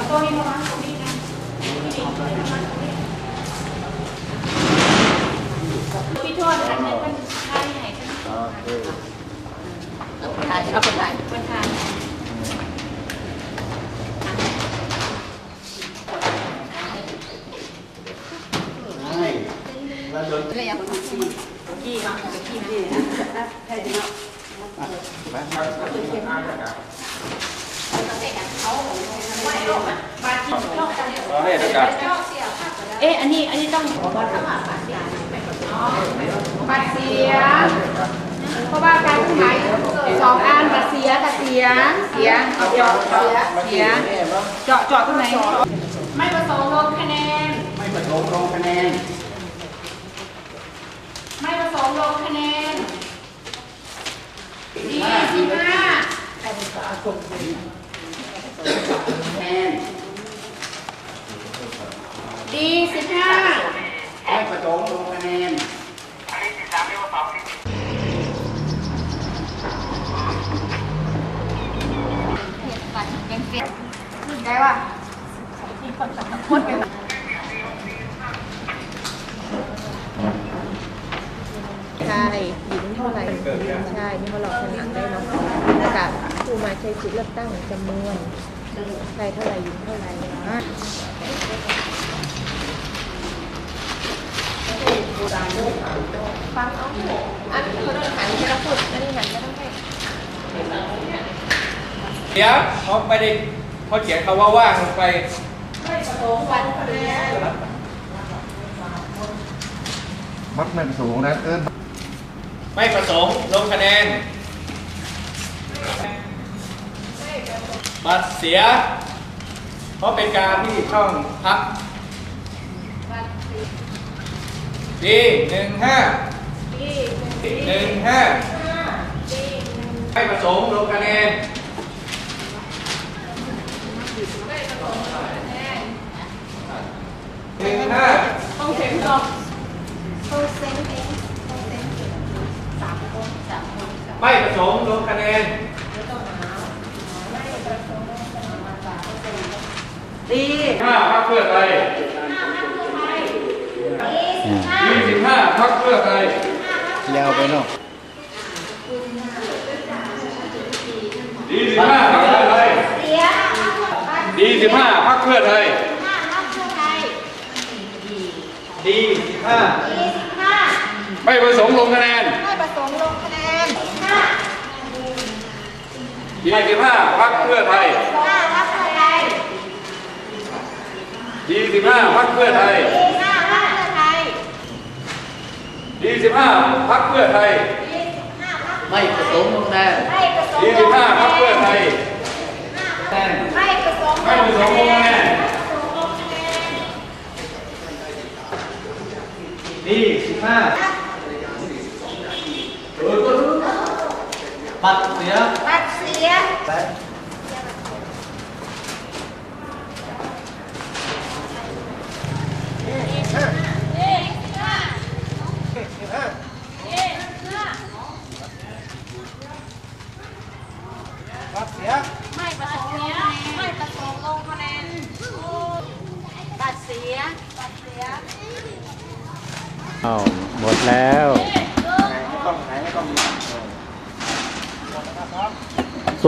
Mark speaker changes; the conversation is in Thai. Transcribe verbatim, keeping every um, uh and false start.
Speaker 1: ตัวนี้ประมาณตรงนี้นะพี่โทษอันนี้มันใช่ไหนกันเอาคนไทยเอาคนไทยคนไทย
Speaker 2: แล้วโดนเรียกคนขี้ขี้เนาะขี้ขี้นะใช่เนาะไปครับ
Speaker 1: เอ๊ะอันนี้อันนี้ต้องบัตรเสียเพราะว่าการขายสองอันบัตรเสียบัตรเสียเสียเอาเจาะเสียเสียเจาะเจาะตรงไหนไม่ประสงค์ลงคะแนน
Speaker 2: ไม่ประสงค์ลงคะแนน
Speaker 1: ไม่ประสงค์ลงคะแนนดีสิบห้า
Speaker 2: คะแนน
Speaker 1: ดีสิบห้า
Speaker 2: ไม่ประสงค์ลงคะแนน
Speaker 1: ได้ป่ะคนเป็น
Speaker 3: ใช่หญิงเท่าไหร่ใช่นี่มาหลอกผนังได้เนาะกับผู้มาใช้สิทธิเลือกตั้งจำนวนใครเท่าไหร่หญิงเท่าไหร่ฟังเอาอันเขาต้องหันให้เราพูดอันนี้หันไม่ต้องให้
Speaker 4: เดี๋ยวเขาไม่ได้เขาเขียนคำว่าว่างลงไป
Speaker 1: ไม่ประสงค์วันคะแนน
Speaker 5: มัดไม่ประสงค์นะเอิ้น
Speaker 4: ไม่ประสงค์ลงคะแนนบัตรเสียเพราะเป็นการที่ช่องพักดีหนึ่งห้าหนึ่งห้าไม่ประสงค์ลงคะแนนหนึ่งห้า
Speaker 1: ต้องเซ็นก่อนต้องเซ็นเองต้องเซ็นสามคนสามคน
Speaker 4: ไม่ประสงค์ลงคะแนน
Speaker 1: ดี
Speaker 4: ห้าพรรคเพื่อไทยยี่สิบห้าพรรคเพื่อไทย
Speaker 5: ยาวไปเนาะ
Speaker 4: ยี่สิบห้าพรรคเพื่อไทยยี่สิบห้าพรรคเพื่อไทยดีสิบห้าไม่ประสงค์ลงคะแนน
Speaker 1: ไม่ประสงค์ลงคะแนน
Speaker 4: ยี่สิบห้าพรรคเพื่อไทยยี่สิบห้าพรรคเพื่อไทยยี่สิบห้าพรรคเพื่อไทย
Speaker 2: ไม่ประสงค์ลงคะแนน
Speaker 4: ยี่สิบห้าพรรคเพื่อไทย
Speaker 1: ไม่ประสงค์
Speaker 4: ไม่ประสงค์ลงคะแนนดีสิบห้าบัตรเสีย
Speaker 1: บัตรเสีย
Speaker 4: บัตรเสีย
Speaker 1: ไม่ประสงค์ไม่ประสงค์ลงคะแนนบัตรเสียบัตรเสีย
Speaker 5: อ้าวหมดแล้ว